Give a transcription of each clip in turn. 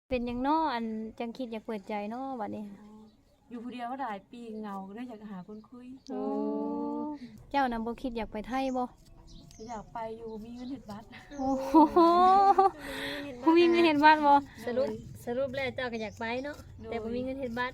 เป็นหยังน้ออันจังคิดอยากเปิดใจน้อบัดนี้อยู่ผู้เดียวก็หลายปีเหงาก็ได้อยากหาคนคุยโอ้เจ้านำบ่คิดอยากไปไทยบ่ก็อยากไปอยู่มีเงินเฮ็ดบัตรโอ้โหผู้มีเงินเฮ็ดบัตรบ่สรุปแล้วเจ้าก็อยากไปเนาะแต่บ่มีเงินเฮ็ดบัตร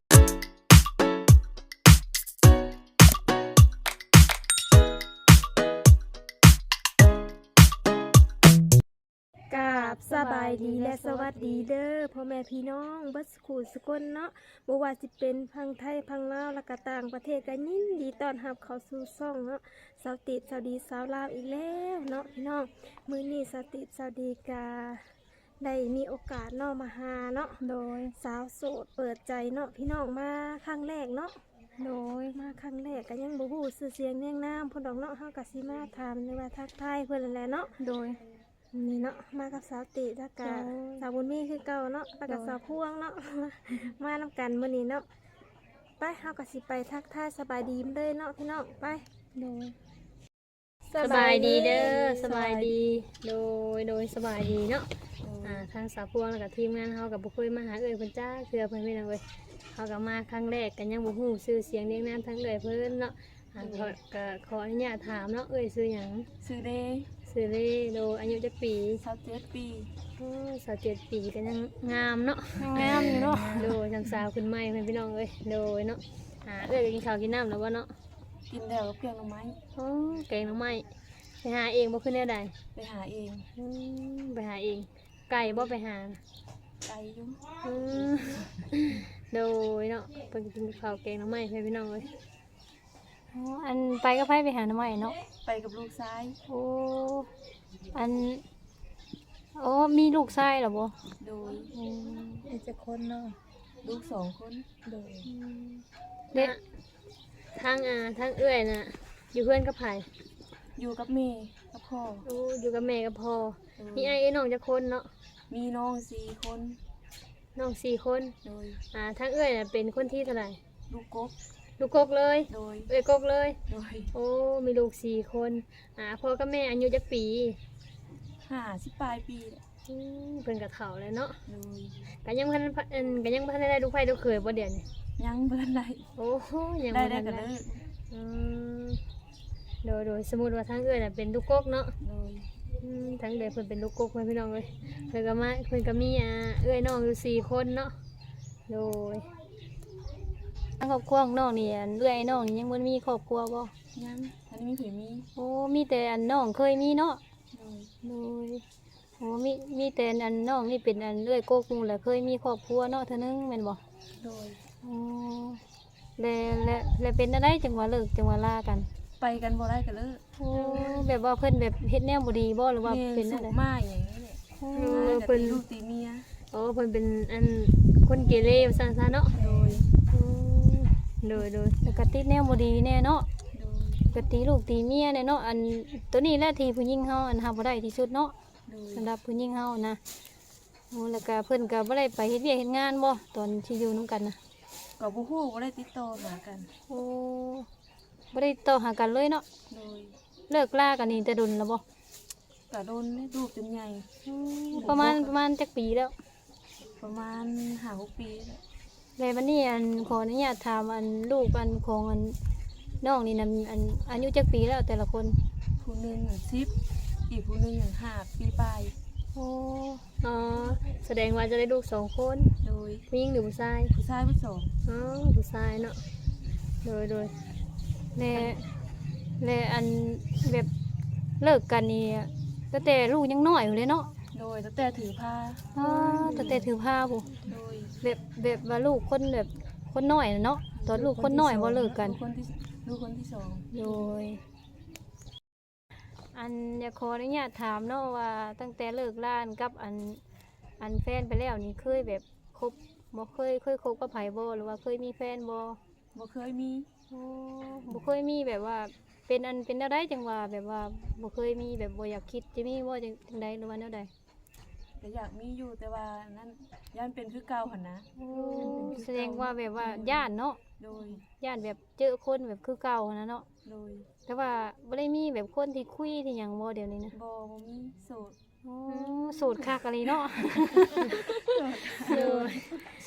กราบสบายดีและสวัสดีเด้อพ่อแม่พี่น้องเบิดสกูสกลเนาะบ่ว่าสิเป็นพังไทยพังลาวและก็ต่างประเทศก็ยินดีต้อนรับเข้าสู่ช่องเนาะสาวติดสาวดีสาวลาวอีกแล้วเนาะพี่น้องมื้อนี้สาวติดสาวดีกาได้มีโอกาสเนาะมาหาเนาะโดยสาวโสดเปิดใจเนาะพี่น้องมาครั้งแรกเนาะโดยมาครั้งแรกก็ยังบ่ฮู้ชื่อเสียงเรียงนามเพิ่นดอกเนาะเฮาก็สิมาถามหรือว่าทักทายเพิ่นนั่นแหละเนาะโดยนี่เนาะมากับสาวติแล้วก็สาวบุญมีคือเก่าเนาะแล้วก็สาวพ่วงเนาะ มานำกันมื้อนี้เนาะไปเฮาก็สิไปทักทายสบายดีเลยเนาะพี่น้องไปโดยสบายดีเด้อสบายดีโดยสบายดีเนาะทางสาวพวงแล้วก็ทีมงานเฮาก็บ่เคยมาหาเอ้ยเพิ่นจ้าเทื่อเพิ่นพี่น้องเอ้ยเฮาก็มาครั้งแรกก็ยังบ่ฮู้ชื่อเสียงเรียงนามทั้งเอ้ยเพิ่นเนาะก็ขออนุญาตถามเนาะเอ้ยชื่อหยังซื้อเด้ชื่อเลโดอายุจักปี 27ปี 27ปีก็ยังงามเนาะงามอยู่เนาะโดยทางสาวขึ้นใหม่เพิ่นพี่น้องเอ้ยโดยเนาะเอ้ยก็กินข้าวกินน้ำแล้วบ่เนาะกินแล้วกับเพียงหน่อไม้แกงหน่อไม้ไปหาเองบ่ขึ้นแนวใดไปหาเองไปหาเองไก่บ่ไปหาไกลอยู่โดยเนาะเพิ่นกินข้าวแกงหน่อไม้ให้พี่น้องเอ้ยอันไปก็ไปหาหน่อไม้เนาะไปกับลูกชายโอ้อันโอ้มีลูกชายเหรอบ่โดยมีจักคนเนาะลูก2คนโดยเด็กทางเอื้อยน่ะอยู่เพื่อนกับไผอยู่กับแม่กับพ่ออยู่กับแม่กับพ่อมีไอ้น้องจักคนเนาะมีน้อง4คนน้อง4คนโดยทางเอื้อยน่ะเป็นคนที่เท่าไหร่ลูกกกเลยโดยเอ้ยกกเลยโดยโอ้มีลูก4คนพ่อกับแม่อายุจักปี 50ปลายปีเพิ่นก็เฒ่าแล้วเนาะโดยก็ยังบ่ทันได้ลูกไผลูกเขยบ่เดี๋ยวนี้ยังบ่ทันได้โอ้ยังบ่ทันได้ได้โดยสมมุติว่าทางเอื้อยน่ะเป็นลูกกกเนาะโดยทางเอื้อยเพิ่นเป็นลูกกกเพิ่นพี่น้องเอ้ยเพิ่นก็มีเอื้อยน้องอยู่4คนเนาะโดยทางครอบครัวของน้องนี่เอื้อยน้องนี่ยังบ่มีครอบครัวบ่ยังอันนี้มีเผยมีโอ้มีแต่อันน้องเคยมีเนาะโดยโอ้มีแต่อันน้องนี่เป็นอันเอื้อยโกกนู่นแหละเคยมีครอบครัวเนาะเท่านึงแม่นบ่โดยโอ้แล้วเป็นอะไรจังหวะเลิกจังหวะลากันไปกันบ่ได้ก็เลิกโอ้แบบว่าเพิ่นแบบเฮ็ดแนวบ่ดีบ่หรือว่าเป็นอะไรมาอย่างนี้แหละเพิ่นลูกตีเมียเพิ่นเป็นอันคนเกเรว่าซั่นซะเนาะโดยแล้วก็ติดแนวบ่ดีแน่เนาะก็ตีลูกตีเมียแน่เนาะอันตัวนี้แหละที่ผู้หญิงเฮาอันหาบ่ได้ที่สุดเนาะสำหรับผู้หญิงเฮานะโอ้แล้วก็เพิ่นก็บ่ได้ไปเฮ็ดเวียกเฮ็ดงานบ่ตอนที่อยู่นํกันน่ะก็บ่ฮู้บ่ได้ติดต่อหากันโอ้บ่ได้ติดต่อหากันเลยเนาะโดยเลิกลากันนี่แต่ดุลแล้วบ่ก็โดนลูกจนใหญ่ประมาณจักปีแล้วประมาณ5-6ปีแล้ววันนี้อันขออนุญาตถามอันลูกอันของอันน้องนี่นำอันอายุจักปีแล้วแต่ละคนผู้นึง10อีกผู้นึง5ปีปลายโอ้แสดงว่าจะได้ลูก2คนโดยผู้หญิงหรือผู้ชายผู้2 ผู้ชายเนาะโดยและอันแบบเลิกกันนี่ตั้งแต่ลูกยังน้อยอยู่เลยเนาะโดยตั้งแต่ถือผ้าตั้งแต่ถือผ้าบ่โดยแบบว่าลูกคนแบบคนน้อยเนาะตอนลูกคนน้อยบ่เลิกกันลูกคนที่2 โดยอันอยากขออนุญาตถามเนาะว่าตั้งแต่เลิกล้านกับอันแฟนไปแล้วนี่เคยแบบคบบ่เคยคบกับไผบ่หรือว่าเคยมีแฟนบ่เคยมีบ่เคยมีแบบว่าเป็นอะไรจังว่าแบบว่าบ่เคยมีแบบบ่อยากคิดจะมีบ่จังใดหรือว่าแนวใดก็อยากมีอยู่แต่ว่านั้นย่านเป็นคือเก่าหั่นนะแสดงว่าแบบว่าย่านเนาะโดยย่านแบบเจอคนแบบคือเก่านะเนาะโดยแต่ว่าบ่ได้มีแบบคนที่คุยที่หยังบ่เดี๋ยวนี้นะบ่มีโสดโสดคักอะไรเนาะ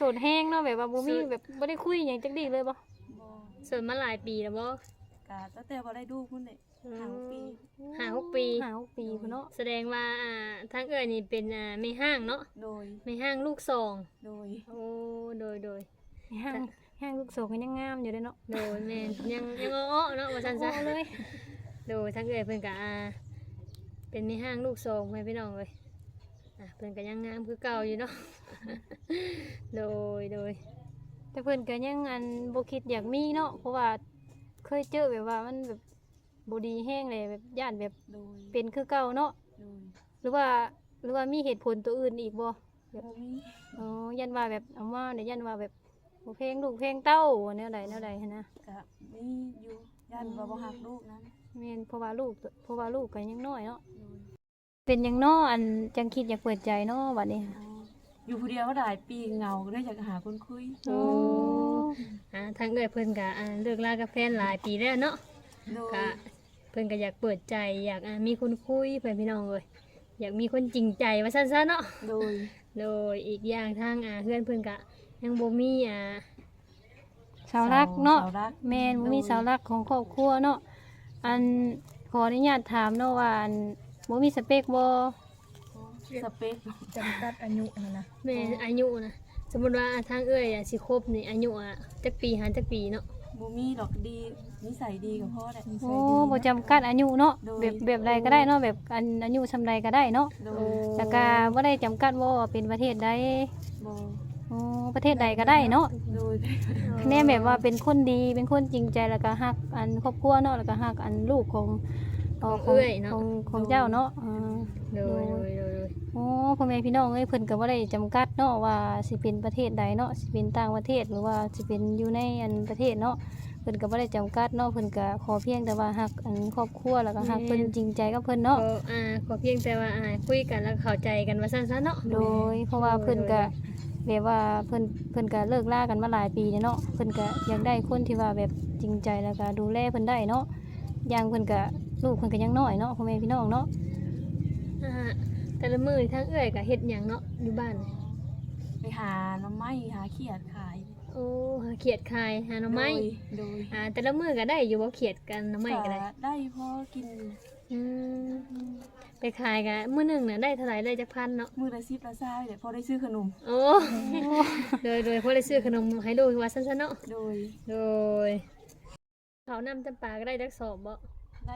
ดแห้งเนาะแบบว่าบ่มีแบบบ่ได้คุยหยังจักดีเลยบ่บ่โสดมาหลายปีแล้วบ่กะตั้งแต่บ่ได้ดูพุ่นนี่5 ปี 5-6 ปี 5-6 ปีพุ่นเนาะแสดงว่าทางเอ้ยนี่เป็นแม่ห้างเนาะโดยแม่ห้างลูกสองโดยโอ้โดยห้างลูกโสก็ยังงามอยู่เด้เนาะโดยแม่นยังอ้อๆเนาะว่าซั่นซะโอ้เลยโดยทางเอ้ยเพิ่นก็เป็นแม่ห้างลูกสองให้พี่น้องเลยเพิ่นก็ยังงามคือเก่าอยู่เนาะ โดยแต่เพิ่นก็ยังบ่คิดอยากมีเนาะเพราะว่าเคยเจอแบบว่ามันแบบบ่ดีแห้งเลยแบบย่านแบบโดยเป็นคือเก่าเนาะโดยหรือว่ามีเหตุผลตัวอื่นอีกบ่บ่มีอ๋อยันว่าแบบเอามาเนี่ยยันว่าแบบบ่เพลงลูกเพลงเต้าแนวใดหันนะกะมีอยู่ย่านว่าบ่ฮักลูกนั้นแม่นเพราะว่าลูกก็ยังน้อยเนาะโดยเป็นหยังเนาะจังคิดอยากเปิดใจเนาะบัดนี้อ๋ออยู่ผู้เดียวก็หลายปีเหงาก็เลยอยากหาคนคุยโอ้ทางเอ้ยเพิ่นก็เลิกลากับแฟนหลายปีแล้วเนาะโดยก็เพิ่นก็อยากเปิดใจอยากมีคนคุยเพื่อนพี่น้องเลยอยากมีคนจริงใจว่าซั่นๆเนาะโดยโดยอีกอย่างทางเพื่อนเพิ่นก็ยังบ่มีเสารักเนาะสาวรักแม่นบ่มีเสารักของครอบครัวเนาะขออนุญาตถามเนาะว่าบ่มีสเปคบ่สเปคจำกัดอายุนะแม่อายุนะสมมุติว่าทางเอ้ยสิคบนี่อายุจักปีหันจักปีเนาะบ่มีดอกดีนิสัยดีกับพ่อแหละโอ้บ่จำกัดอายุเนาะโดยแบบใดก็ได้เนาะแบบอายุซำใดก็ได้เนาะโดโอ้ยแล้วก็บ่ได้จำกัดว่าเป็นประเทศใดบ่อ๋อประเทศใดก็ได้เนาะโดยแน่แบบว่าเป็นคนดีเป็นคนจริงใจแล้วก็ฮักครอบครัวเนาะแล้วก็ฮักลูกของของเจ้าเนาะโดยโอ้พ่อแม่พี่น้องเอ้ยเพิ่นก็บ่ได้จำกัดเนาะว่าสิเป็นประเทศใดเนาะสิเป็นต่างประเทศหรือว่าสิเป็นอยู่ในประเทศเนาะเพิ่นก็บ่ได้จำกัดเนาะเพิ่นก็ขอเพียงแต่ว่าฮักครอบครัวแล้วก็ฮักเพิ่นจริงใจกับเพิ่นก็เนาะขอเพียงแต่ว่าคุยกันแล้วเข้าใจกันว่าซั่นๆเนาะโดยเพราะว่าเพิ่นก็แบบว่าเพิ่นก็เลิกลากันมาหลายปีแล้วเนาะเพิ่นก็อยากได้คนที่ว่าแบบจริงใจแล้วก็ดูแลเพิ่นได้เนาะอย่างเพิ่นก็ลูกเพิ่นก็ยังน้อยเนาะพ่อแม่พี่น้องเนาะแต่ละมื้อทางเอ้ยก็เฮ็ดหยังเนาะอยู่บ้านไปหาหน่อไม้หาเขียดขายโอ้หาเขียดขายหาหน่อไม้โดยแต่ละมื้อก็ได้อยู่บ่เขียดกันหน่อไม้ก็ได้ได้พอกินอยู่อืมไปขายกันมื้อหนึงน่ะได้เท่าไหร่ได้จักพันเนาะมื้อละ10ละ20เดี๋ยวพอได้ซื้อขนมโอ้ โดยพอได้ซื้อขนมให้ลูกว่าซั่นๆเนาะโดยโดยเขาวนำจำปาก็ได้จักสอบบ่ได้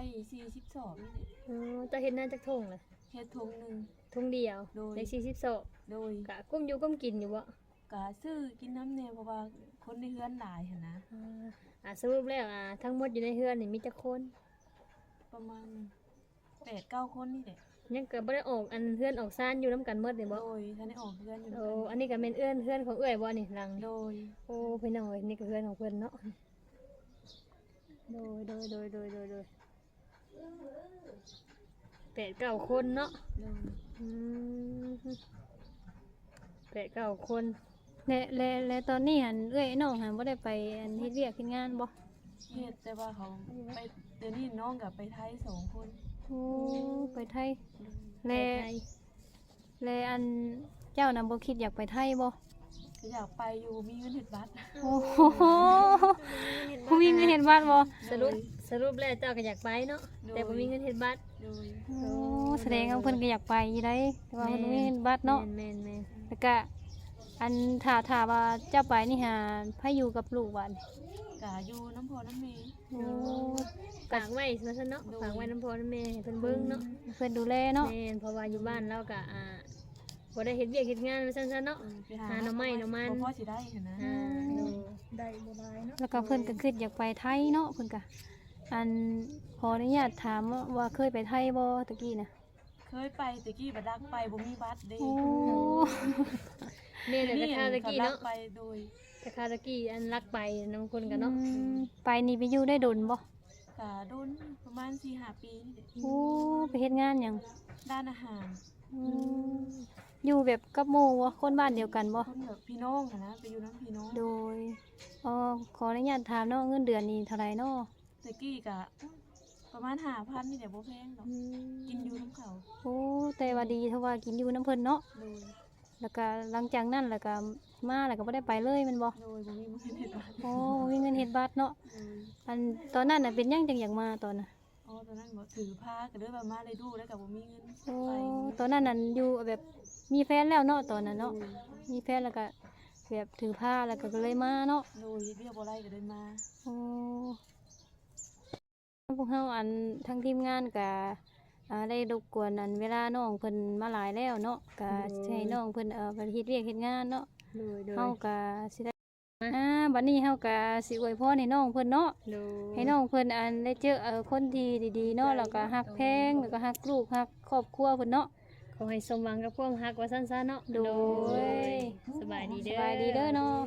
42นี่แหละจะเฮ็ดหน้าจักทงเลยเฮ็ดถุงหนึงทงเดียวโดยได้40สอบโดยกะกุ้มอยู่กุ้มกินอยู่บ่กะซื้อกินน้ำแน่เพราะว่าคนในเฮือนหลายหั่นนะสรุปแล้วทั้งหมดอยู่ในเฮือนนี่มีจักคนประมาณ8-9 คนนี่แหละยังก็บ่ได้ออกอันเฮือนออกซ่านอยู่นํกันหมดนี่บ่โดยท่านได้ออกเฮือนอยู่โอ้อันนี้ก็แม่นเฮือนของเอื้อยบ่นี่หลังนี่โดยโอ้พี่น้องเอ้ยนี่ก็เพื่อนของเพื่อนเนาะโดย8-9 คนเนาะโดยอืม8-9 คนและตอนนี้หันเอ้ยน้องหันบ่ได้ไปเฮ็ดเวียกเฮ็ดงานบ่เฮ็ดแต่ว่าเขาไปเดี๋ยวนี้น้องกับไปไทย2 คนโอ้ไปไทยไปและไทยและเจ้านำบ่คิดอยากไปไทยบ่ก็อยากไปอยู่มีเงินเฮ็ดบัตรโอ้โหผู้มีเงินเห็นบ้านบ่สรุปแล้วเจ้าก็อยากไปเนาะแต่บ่มีเงินเฮ็ดบัตรโดยโอ้แสดงว่าเพิ่นก็อยากไปอยู่ได้แต่ว่าเพิ่นบ่มีเงินบัตรเนาะแม่นแล้วก็ถ้าว่าเจ้าไปนี่หาไผอยู่กับลูกบัดนี้กะอยู่น้ำพอน้ำเมย์โอ้ฝากไว้ซั่นเนาะฝากไว้น้ำพ่อน้ำแม่ให้เพิ่นเบิ่งเนาะเพิ่นดูแลเนาะแม่นเพราะว่าอยู่บ้านเราก็บ่ได้เฮ็ดเวียกเฮ็ดงานว่าซั่นๆเนาะไปหาหน่อไม้หน่อมันบ่พอสิได้หั่นนะโดยได้บ่หลายเนาะแล้วก็เพิ่นก็คิดอยากไปไทยเนาะเพิ่นก็ขออนุญาตถามว่าเคยไปไทยบ่ตะกี้น่ะเคยไปตะกี้บัดรักไปบ่มีบัตรเด้โอ้แม่นแต่คาตะกี้รัเนาะไปโดยแต่คาตะกี้อันรักไปนำคนกันเนาะไปนี่ไปอยู่ได้ดนบ่กะโดนประมาณ 4-5 ปีนี่แหละโอ้ไปเฮ็ดงานหยังด้านอาหารอยู่แบบกับหมู่บ่คนบ้านเดียวกันบ่คนแบบพี่น้องหั่นนะไปอยู่น้ำพี่น้องโดยขออนุญาตถามเนาะเงินเดือนนี่เท่าไหร่เนาะตะกี้กะประมาณ5,000นี่แหละบ่แพงดอกกินอยู่น้ำเขาโอ้แต่ว่าดีเท่าว่ากินอยู่น้ำเพิ่นเนาะโดยแล้วก็หลังจากนั้นแล้วก็มาแล้วก็บ่ได้ไปเลยแมันบ่โดยบ่มีเงินเฮ็ดบัตรโอ้บ่มีเงินเฮ็ดบัตรเนาะโดยอันตอนนั้นน่ะเป็นหยังจังอยากมาตอนน่ะอ๋อตอนนั้นบ่ถือผ้าก็เลยว่ามาเลยดูแล้วก็บ่มีเงินโอ้ไปตอนนั้นน่ะอยู่แบบมีแฟนแล้วเนาะตอนนั้นเนาะมีแฟนแล้วก็แบบถือผ้าแล้วก็เลยมาเนาะโดยเฮ็ดเวียกบ่ได้ก็เลยมาโอ้พวกเฮาอันทั้งทีมงานก็ได้รบกวนอันเวลาน้องเพิ่นมาหลายแล้วเนาะก็สิให้น้องเพิ่นไปเฮ็ดเวียกเฮ็ดงานเนาะโดยโดยเฮาก็สิได้บัดนี้เฮาก็สิอวยพรให้น้องเพิ่นเนาะโดยให้น้องเพิ่นอันได้เจอคนที่ดีๆเนาะแล้วก็ฮักแพงแล้วก็ฮักลูกฮักครอบครัวเพิ่นเนาะขอให้สมหวังกับความฮักว่าสั้นๆเนาะโดยสบายดีสเด้อบายดีเด้อเนาะ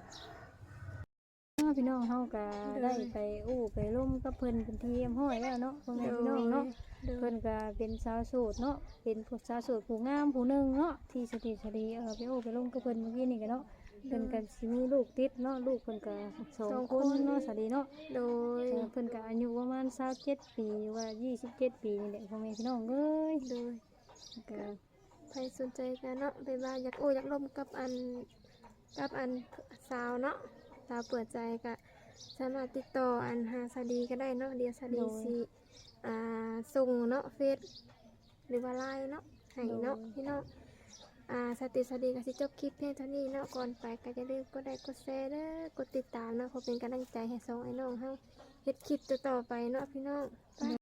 พี่น้องเฮาก็ได้ไปไปร่มกับเพิ่นเป็นที่เรียบร้อยแล้วเนาะพ่อแม่พี่น้องเนาะเพิ่นก็เป็นสาวโสดเนาะเป็นผู้สาวโสดผู้งามผู้หนึงเนาะที่สติสรีไปไปร่มกับเพิ่นเมื่อกี้นี่ก็เนาะเพิ่นก็สิมีลูกติดเนาะลูกเพิ่นก็2คนเนาะสวัสดีเนาะโดยเพิ่นก็อายุประมาณ27ปีหรือว่า27ปีนี่แหละพ่อแม่พี่น้องเอ้ยโดยก็ใครสนใจกันเนาะไปว่าอยากอยากร่วมกับอันสาวเนาะสาวเปิดใจก็สามารถติดต่ออันหาสาดีก็ได้เนาะเดี๋ยวสาดีสิส่งเนาะเฟซหรือว่าไลน์เนาะให้เนาะพี่น้องสติสาดีก็สิจบคลิปเพียงเท่านี้เนาะก่อนไปก็อย่าลืมกดไลค์กดแชร์เด้อกดติดตามเนาะเพื่อเป็นกำลังใจให้สองไอ้น้องเฮาเฮ็ดคลิปต่อๆไปเนาะพี่น้อง